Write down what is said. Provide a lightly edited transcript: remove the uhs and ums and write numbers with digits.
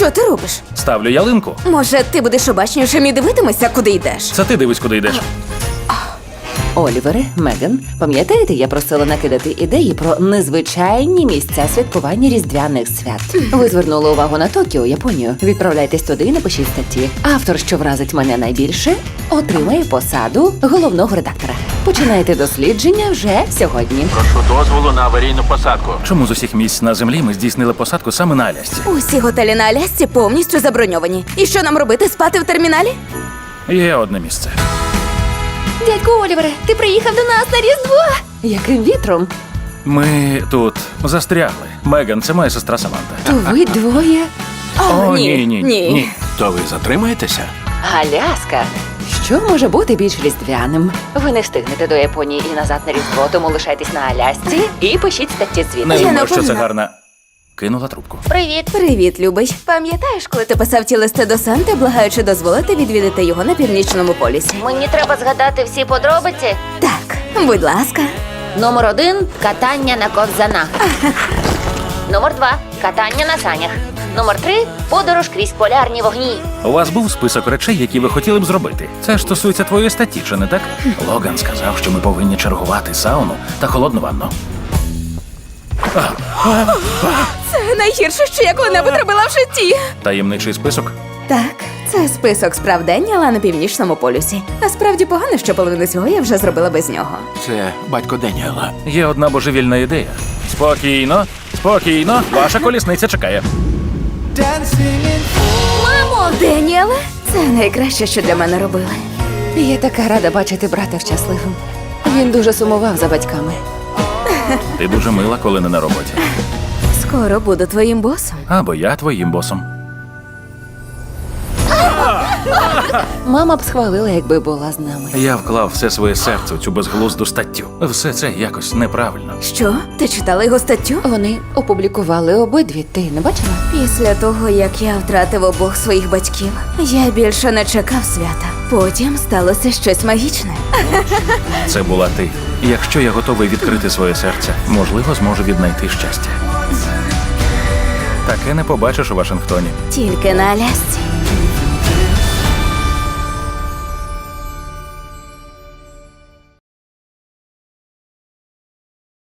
Що ти робиш? Ставлю ялинку. Може, ти будеш обачнішим і дивитимешся, куди йдеш? Це ти дивись, куди йдеш. Олівере, Меган, пам'ятаєте, я просила накидати ідеї про незвичайні місця святкування різдвяних свят. Ви звернули увагу на Токіо, Японію. Відправляйтесь туди і напишіть статті. Автор, що вразить мене найбільше, отримає посаду головного редактора. Починайте дослідження вже сьогодні. Прошу дозволу на аварійну посадку. Чому з усіх місць на землі ми здійснили посадку саме на Алясці? Усі готелі на Алясці повністю заброньовані. І що нам робити, спати в терміналі? Є одне місце. Дядьку Олівере, ти приїхав до нас на Різдво! Яким вітром? Ми тут застрягли. Меган, це моя сестра Саманта. То ви двоє? О, ні. То ви затримаєтеся? Аляска. Що може бути більш різдвяним? Ви не встигнете до Японії і назад на Різдво, тому лишайтесь на Алясці і пишіть статті звідти. Не Я думаю, що це напевно. гарна. Кинула трубку. Привіт. Привіт, любий. Пам'ятаєш, коли ти писав ті листи до Санти, благаючи дозволити відвідати його на Північному полюсі? Мені треба згадати всі подробиці. Так, будь ласка. Номер 1 – катання на ковзанах. Номер 2 – катання на санях. Номер 3 – подорож крізь полярні вогні. У вас був список речей, які ви хотіли б зробити. Це ж стосується твоєї статті, чи не так? Логан сказав, що ми повинні чергувати сауну та холодну ванну. Це найгірше, що я коли-небудь робила в житті. Таємничий список? Так, це список справ Деніела на Північному полюсі. Насправді погано, що половину цього я вже зробила без нього. Це батько Деніела. Є одна божевільна ідея. Спокійно, спокійно, ваша колісниця чекає. Мамо! Деніеле? Це найкраще, що для мене робили. Я така рада бачити брата щасливим. Він дуже сумував за батьками. Ти дуже мила, коли не на роботі. Скоро буду твоїм босом. Або я твоїм босом. Мама б схвалила, якби була з нами. Я вклав все своє серце у цю безглузду статтю. Все це якось неправильно. Що? Ти читала його статтю? Вони опублікували обидві. Ти не бачила? Після того, як я втратив обох своїх батьків, я більше не чекав свята. Потім сталося щось магічне. Це була ти. І якщо я готовий відкрити своє серце, можливо, зможу віднайти щастя. Таке не побачиш у Вашингтоні. Тільки на Алясці.